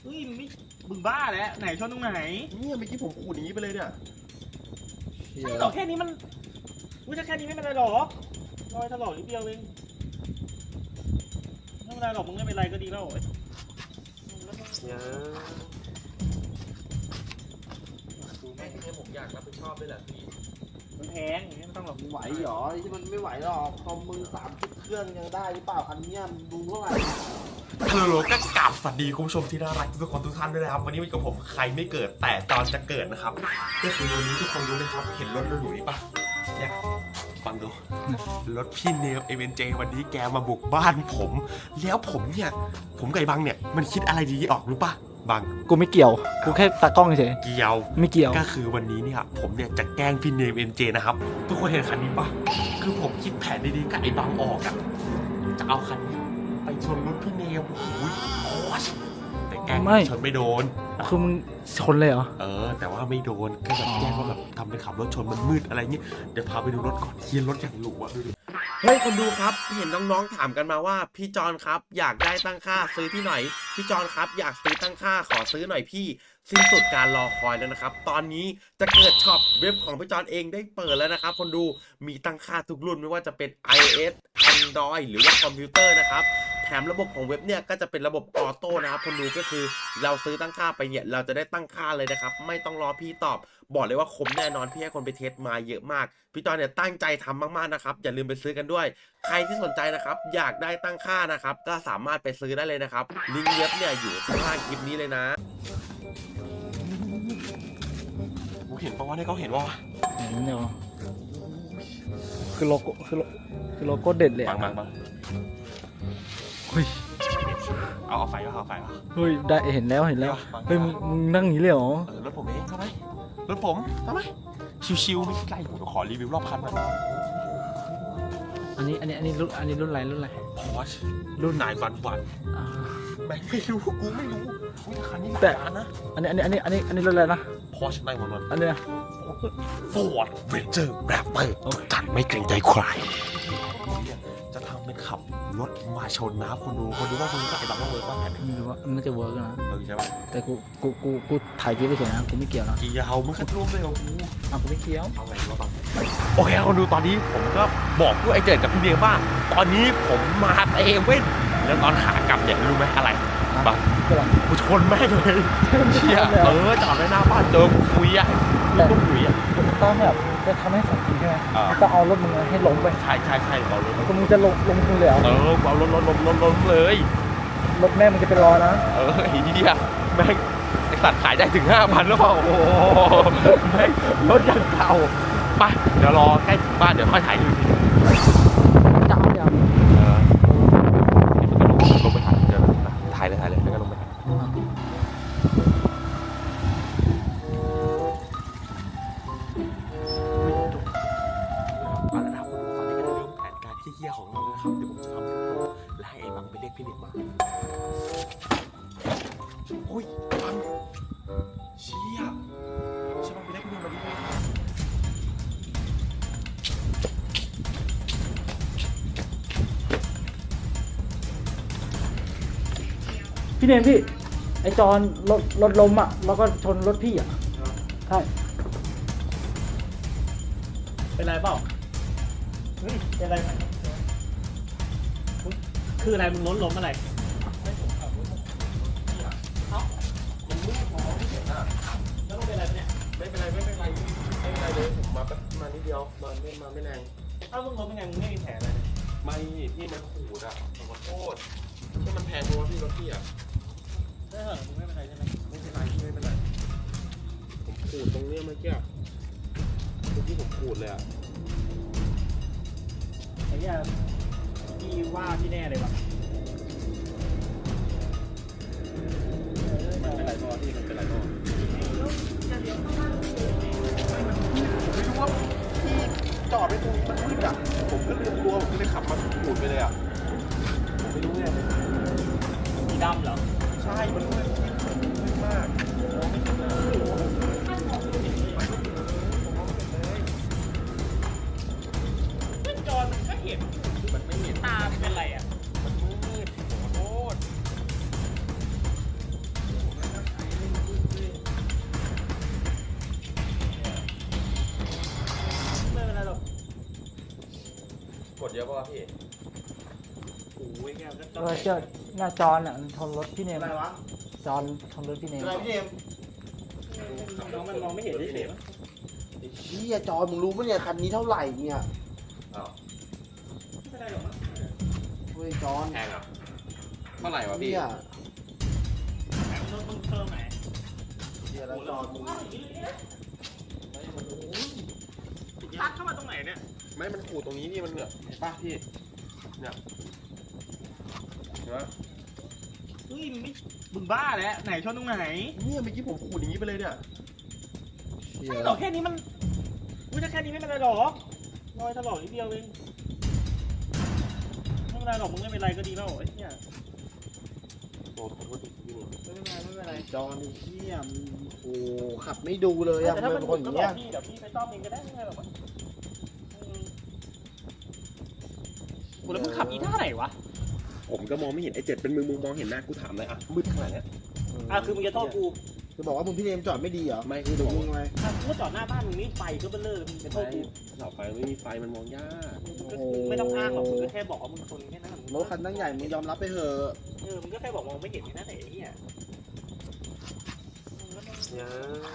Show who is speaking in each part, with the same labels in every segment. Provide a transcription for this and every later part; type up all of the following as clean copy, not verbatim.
Speaker 1: เฮ้ยมึงบ้าแล้วไหนชนตรงไหน
Speaker 2: เนี่ยเมื่อกี้ผมขูดอย่างนี้ไปเลยเนี่ย
Speaker 1: ใช่หรอแค่นี้มันกูจะแค่นี้ไม่เป็นไรหรอกรอยถลอกนิดเดียวเองไม่เป็นไรหรอกมึงไม่เป็นไรก็ดีแล้ว
Speaker 2: เนี่ยแม่ที่ผมอยากรับผิดชอบด้วยแหละพี่
Speaker 1: มันแพงอย่างนี้ไม่ต้องหรอก
Speaker 3: ไหวเหรอที่มันไม่ไหวหรอกคอมมึง30 เครื่องยังได้หรือเปล่าอันเนี้ยมึงดูเท่าไหร่
Speaker 2: ฮัลโหลก็กลับสวัสดีคุณผู้ชมที่น่ารักทุกคนทุกท่านด้วยนะครับวันนี้อยู่กับผมใครไม่เกิดแต่ตอนจะเกิดนะครับก็คือวันนี้ทุกคนรู้ไหมครับเห็นรถเราอยู่นี่ปะเนี่ยฟังดูรถพี่เนมเอเวนเจวันนี้แกมาบุกบ้านผมแล้วผมกับไอ้บังเนี่ยมันคิดอะไรดีออกรู้ปะบัง
Speaker 4: กูไม่เกี่ยวกูแค่ตากล้องเฉย
Speaker 2: เกี่ยว
Speaker 4: ไม่เกี่ยว
Speaker 2: ก็คือวันนี้เนี่ยผมเนี่ยจะแกล้งพี่เนมเอ็นเจนะครับทุกคนเห็นคันนี้ปะคือผมคิดแผนดีๆกับไอ้บังออกอะจะเอาคันนี้ไปชนรถพี่เนมโอ้ยโคตรแต่แกล้งชนไม่โดน
Speaker 4: คือมึงชนเลยเหรอ
Speaker 2: แต่ว่าไม่โดนก็แบบแกล้งว่าแบบทำเป็นขับรถชนมันมืดอะไรเงี้ยเดี๋ยวพาไปดูรถก่อนเทียนรถอย่างหรูอะดูดิเฮ้ยคนดูครับเห็นน้องๆถามกันมาว่าพี่จอนครับอยากได้ตั้งค่าซื้อที่ไหนพี่จอนครับอยากซื้อตั้งค่าขอซื้อหน่อยพี่สิ้นสุดการรอคอยแล้วนะครับตอนนี้จะเกิดช็อปเว็บของพี่จอนเองได้เปิดแล้วนะครับคนดูมีตั้งค่าทุกรุ่นไม่ว่าจะเป็น iOS Android หรือว่าคอมพิวเตอร์นะครับแถมระบบของเว็บเนี่ยก็จะเป็นระบบออโต้นะครับคนดูก็คือเราซื้อตั้งค่าไปเนี่ยเราจะได้ตั้งค่าเลยนะครับไม่ต้องรอพี่ตอบบอกเลยว่าคมแน่นอนพี่ให้คนไปเทสมาเยอะมากพี่จอนเนี่ยตั้งใจทำมากๆนะครับอย่าลืมไปซื้อกันด้วยใครที่สนใจนะครับอยากได้ตั้งค่านะครับก็สามารถไปซื้อได้เลยนะครับลิงก์เว็บเนี่ยอยู่ข้างล่างคลิปนี้เลยนะกูเห็นปะวะเนี่ยเขาเห็นปะวะ
Speaker 4: เห็นเดี๋ยวคือโลโก้คือโลโก้เด็ดเลย
Speaker 2: บัง
Speaker 4: เฮ้ย
Speaker 2: เอาไฟวะเอาไฟวะ
Speaker 4: เฮ้ยได้เห็นแล้วเฮ้ยมึงนั่งอย่างนี้เลยเหรอ
Speaker 2: รถผมเองทำไมรถผมทำไมชิวๆไม่ใช่ผมขอรีวิวรอบคันหน่อย
Speaker 4: อันนี้รุ่นอะไร
Speaker 2: พอชรุ่น911แม่งไม่รู้กูไม่รู้คันนี้แต่นะ
Speaker 4: อันนี้รุ่นอะไรนะ
Speaker 2: พอช911
Speaker 4: อันนี้นะ
Speaker 2: ฟอร์ดเรนเจอร์แรปเตอร์จัดไม่เกรงใจใครจะทำเป็นขับรถมาชนนะคนดูว่าคนนี้ก็ไอ้บังว่าเวิร์กบ้างแผน
Speaker 4: ไม่รู้ว่ามันจะเวิร์กนะ
Speaker 2: ใช่ป่ะ
Speaker 4: แต่กูถ่ายคลิปไปเฉยนะกูไม่เกี่ยวนะ
Speaker 2: กี่ยาวมึงคัดร่วมเลยของกู
Speaker 4: กูไม่เกี่ยว
Speaker 2: เอาไงวะบังโอเคคนดูตอนนี้ผมก็บอกพวกไอ้เจิดกับพี่เบียร์ว่าตอนนี้ผมมาเอเว่นแล้วตอนขากลับเนี่ยรู้ไหมอะไรบังกูชนแม่งเลยเชี่ยจอดไว้หน้าบ้านเจอกูคุยอ่ะกูคุยอ่ะ
Speaker 4: ต้องแบบจะทำให้ของจริงใช่ไหมต้องเอารถมึงให้ล้มไป
Speaker 2: ใช่เอารถ
Speaker 4: มึงจะลงมึงเลยเหรอ
Speaker 2: เอารถล้มเลย
Speaker 4: รถแม่มึงจะเป็นรอนะ
Speaker 2: ไอ้เหี้ยแม่งไอ้สัตว์ขายได้ถึง 5,000 แล้วเปล่าโอ้โหแม่งรถยังเก่าไปเดี๋ยวรอใกล้ถึงบ้านเดี๋ยวค่อยถ่ายดูที
Speaker 4: จะเอาอย่าง
Speaker 2: ลงไปถ่ายเดี๋ยวถ่ายเลยแล้วก็ลงไปเฮียของเรานะครับเดี๋ยวผมจะทำและให้ไอ้บังไปเรียกพี่เด็กมาโอ้ยบังเชี่ยบังไปเรียกพี่เด็กมาดิ
Speaker 4: พี่เนมพี่ไอจอนรถล้มอ่ะแล้วก็ชนรถพี่อ่ะใช่
Speaker 1: เป็นไรเปล่าเฮ้ยเป็นไรไหมคืออะไรมึงล้มอะไรไม่ผมขับรถเอ้าผมไม่พอที่เห็นอ่ะแล้วต้องเป็นอะไรเนี่ย
Speaker 2: ไม่เป็นไรเลยผมมานิดเดียวมาไม่แรง
Speaker 1: เอ้ามึงล้มเป็นไงมึงไม่มีแผลอะไร
Speaker 2: ไม่พี่มันขูดอ่ะขอโทษที่มันแพงเพราะว่าพี่รถพี่อ่ะ
Speaker 1: ได้เหรอมึงไม่เป็นไรใช่ไหม
Speaker 2: ไม่เป็นไรผมขูดตรงเนี้ยเมื่อกี้ผมขูดเลยอ่ะ
Speaker 1: ไอ้เนี่ยพี่ว่าพี่แน่เลยว่ะ
Speaker 2: มันเป็นไรพ่อที่มันเป็นไรพ่อไม่รู้ว่าพี่จอดไปตรงนี้มันมืดอ่ะผมก็ลืมตัวผมก็เลยขับมาขูดไปเลยอ่ะผมไม่รู้ไง
Speaker 1: สีดำเหรอ
Speaker 2: ใช่มันมืดมาก
Speaker 1: จอมันก็เห็น
Speaker 2: มันไม่เห็น
Speaker 1: ตาเป็นไรอ่ะ
Speaker 2: มันมืดขอโทษเยอะป่ะพี่
Speaker 1: โอ้ยเนี่ยก็
Speaker 4: เออเจอหน้าจอนอ่ะมันชนรถพี่เนม
Speaker 3: อะไรวะ
Speaker 4: จอนชนรถพี่เนม
Speaker 3: อะไรพี่เนม
Speaker 1: น้องมันมองไม่เห็นเฉยๆมั้ง
Speaker 3: ไอ้เชี่ยจอมึงรู้ปะเนี่ยคันนี้เท่าไหร่เนี่ย
Speaker 2: อ้าว
Speaker 1: ไม่ได้หรอกมั้ง
Speaker 3: เฮ้ยจอน
Speaker 2: แพงอ่ะเท่าไหร่วะพี่
Speaker 3: เนี่ย
Speaker 1: รถมึงเพิ่มไหน
Speaker 3: เชี่ยแล้วจอนมึง
Speaker 1: ซัดเข้ามาตรงไหนเนี่ย
Speaker 2: ไม่มันขูดตรงนี้นี่มันเหนือเห็นป่ะพี่เนี่ยเห็นปะ
Speaker 1: เฮ้ยมึงบ้าแล้วไหนชนตรงไหน
Speaker 2: เนี่ยเมื่อกี้ผมขูดอย่างนี้ไปเลยเนี่ย
Speaker 3: เชี่ย
Speaker 1: ไม่หรอกแค่นี้มันอุ้ยถ้าแค่นี้ไม่เป็นไรหรอกรอยถลอกนิดเดียวเองไม่เป็นไรหรอกมึงไม่เป็นไรก็ดีแล้วไอ้เนี่ย
Speaker 2: โอ้ขอโทษทีพี่เนี่ย
Speaker 1: ไม่เป็นไร
Speaker 3: ไอ้จอนไอ้เชี่ยมึงโอ้ขับไม่ดูเลยอะ
Speaker 1: แต่ถ้า
Speaker 3: มึ
Speaker 1: มัน
Speaker 3: ง
Speaker 1: ห
Speaker 3: เป็น
Speaker 1: ลุ
Speaker 3: ค
Speaker 1: ด
Speaker 3: นอ
Speaker 1: ก็
Speaker 3: ย่าง
Speaker 1: บอ
Speaker 3: เงี้
Speaker 1: ก
Speaker 3: ย
Speaker 1: พี่เดี๋ยวพี่ไปซ่อมเองก็ได้ไม่เป็นไรหรอกมั้งกูแล้วมึงขับอีท่าไหนวะ
Speaker 2: ผมก็มองไม่เห็นไอ้เจ็ดเป็นมึงมองเห็นหน้ากูถามเลยอ่ะมืดขนาดเนี้ย
Speaker 1: คือมึงจะโทษกู
Speaker 3: จะบอกว่ามึงพี่เนมจอดไม่ดีเหรอ
Speaker 2: ไม่คือจะบอก
Speaker 3: มึง
Speaker 2: ว่า
Speaker 3: ไง
Speaker 1: กูก็จอดหน้าบ้านมึงนี่ไฟก็เบลอมึงจะโทษกู
Speaker 2: เสาไฟไม่มีไฟมันมองยาก
Speaker 1: มึงก็ไม่ต้องอ้างหรอกมึงก็แค่บอกว่ามึงชนแค่นั้น
Speaker 3: รถคันตั้งใหญ่มึงยอมรับไปเถอะ
Speaker 1: มึงก็แค่บอกมองไม่เห็นแค่นั้นเองไอ้เหี้ย
Speaker 2: เนี่ย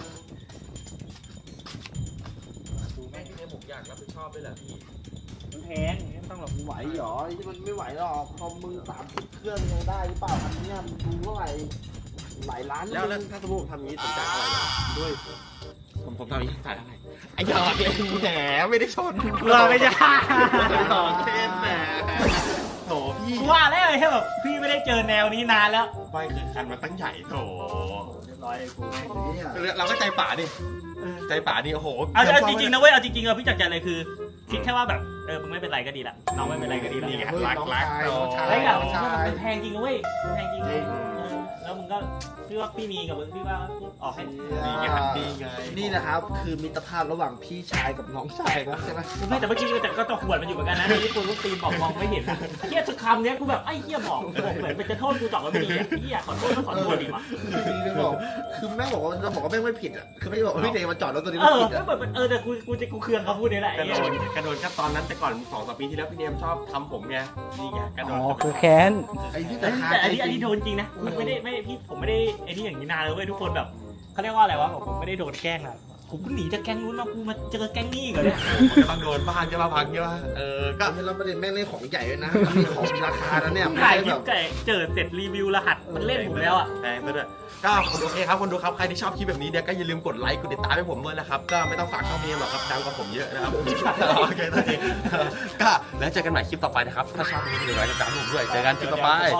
Speaker 2: ดูแม่ที่เนี่ยผมอยากรับผิดชอบด้วยแหละพี่
Speaker 1: มันแพงไม่ต้องหรอก
Speaker 3: มึงไหวเหรอไอ้ที่มันไม่ไหวหรอกคอมมึง30 เครื่องยังได้หรือเปล่าคันเนี้ยมึงดูเท่าไหร่หลายล้าน
Speaker 2: แล้วถ้าสมมติผมทำอย่างนี้ผมจ่ายเท่าไหร่ด้วยผมทำอย่างนี้จ่ายเท่าไหร่ไอ้หยอกเล่นแหมไม่ได้ชน
Speaker 1: เราไม่ใช่
Speaker 2: หยอกเล่นแหมโถพี่
Speaker 1: กูว่าแล้วแค่แบบพี่ไม่ได้เจอแนวนี้นานแล้ว
Speaker 2: ไม่คือคันมันตั้งใหญ่โถ
Speaker 1: เรียบร้อยกู
Speaker 3: เนี่ย
Speaker 2: เราก็ใจป่าดิใจป่านี่โอ้โห
Speaker 1: เอาจริงๆนะเว้ยเอาจริงๆเอาพี่จากใจเลยคือคิดแค่ว่าแบบมึงไม่เป็นไรก็ดีละน้องไม่เป็นไรก็ดีละ
Speaker 2: นี่ไง
Speaker 3: เฮ้ย
Speaker 2: รัก
Speaker 3: น้อง
Speaker 2: รัก
Speaker 3: ชาย
Speaker 2: โถ
Speaker 3: น้องชาย
Speaker 1: แล้วอย่างมันแพงจริงนะเว้ยมันแพงจริงแล้วมึงก็พี่ว่าพี่มีกับมึงพี่ว่าออกให้
Speaker 2: นี่ไงนี่ไง
Speaker 3: นี่นะครับคือมิตรภาพระหว่างพี่ชายกับน้องชายนะใช่ไหม
Speaker 1: ไม่แต่เมื่อกี้ก็จะขวดมันอยู่เหมือนกันนะที่กูตีนบอกมองไม่เห็นเฮียทุกคำเนี้ยกูแบบไอ้เฮียบอกเหมือนเป็นจะโทษกูจอดแล้วไม่ดีเฮียขอโทษก็ขอโทษดีวะ
Speaker 3: คือไม่บอกคือแม่บอกว่าจะบอกว่าแม่งไม่ผิดอ่ะคือไม่ได้บอกว่าพี่เนยมาจอดรถตัวนี้
Speaker 1: เอ
Speaker 3: ไม่
Speaker 1: อ
Speaker 3: ผิดอ่ะ
Speaker 1: แต่กูเคืองเขาพูดนี่แหละ
Speaker 2: กระโดดกระโดดแค่ตอนนั้นแต่ก่อน2-3 ปีที่แล้วพี่เนมชอบทำผมไงนี่ไงกระโด
Speaker 4: อ๋
Speaker 2: ด
Speaker 4: อคือแค้น
Speaker 3: ไอ้ที่
Speaker 1: แต่
Speaker 3: แต่
Speaker 1: อันนี้โดนจริงนะไม่ได้พี่ผมไม่ได้ไอ้นี่อย่างนี้นานเลยเว้ยทุกคนแบบเขาเรียกว่าอะไรวะผมไม่ได้โดนแกล้งนะผมก็หนีจากแก๊งนู้นมากูมาเจอแก๊งนี้ก่อนเนี่ย
Speaker 2: มันก็ต้องโดนบ้างใช่ป่ะพังใช่ป่ะก็
Speaker 3: ก็เราประเด็นแม่งเล่นของใหญ่ด้วยนะมีของราคาแล้วเนี่ยไม่
Speaker 1: ถ่าย
Speaker 3: ได้
Speaker 1: คลิ
Speaker 3: แบ
Speaker 1: ป
Speaker 3: บ
Speaker 1: ไก่เจอเสร็จรีวิวรหัสมันเล่นผมแล้วอ่ะ
Speaker 2: แพงซะด้วยก็โอเคครับคนดูครับใครที่ชอบคลิปแบบนี้เนี่ยก็อย่าลืมกดไลค์กดติดตามให้ผมด้วยนะครับก็ไม่ต้องฝากช่องนี้หรอกครับดังกว่าผมเยอะนะครับโอเคตอนนี้ก็แล้วเจอกันใหม่คลิปต่อไปนะครับถ้าชอบคลิปนี้อย่าลืมกดไลค์กดติดตามผมด้วยเจอกันคลิปต่อไป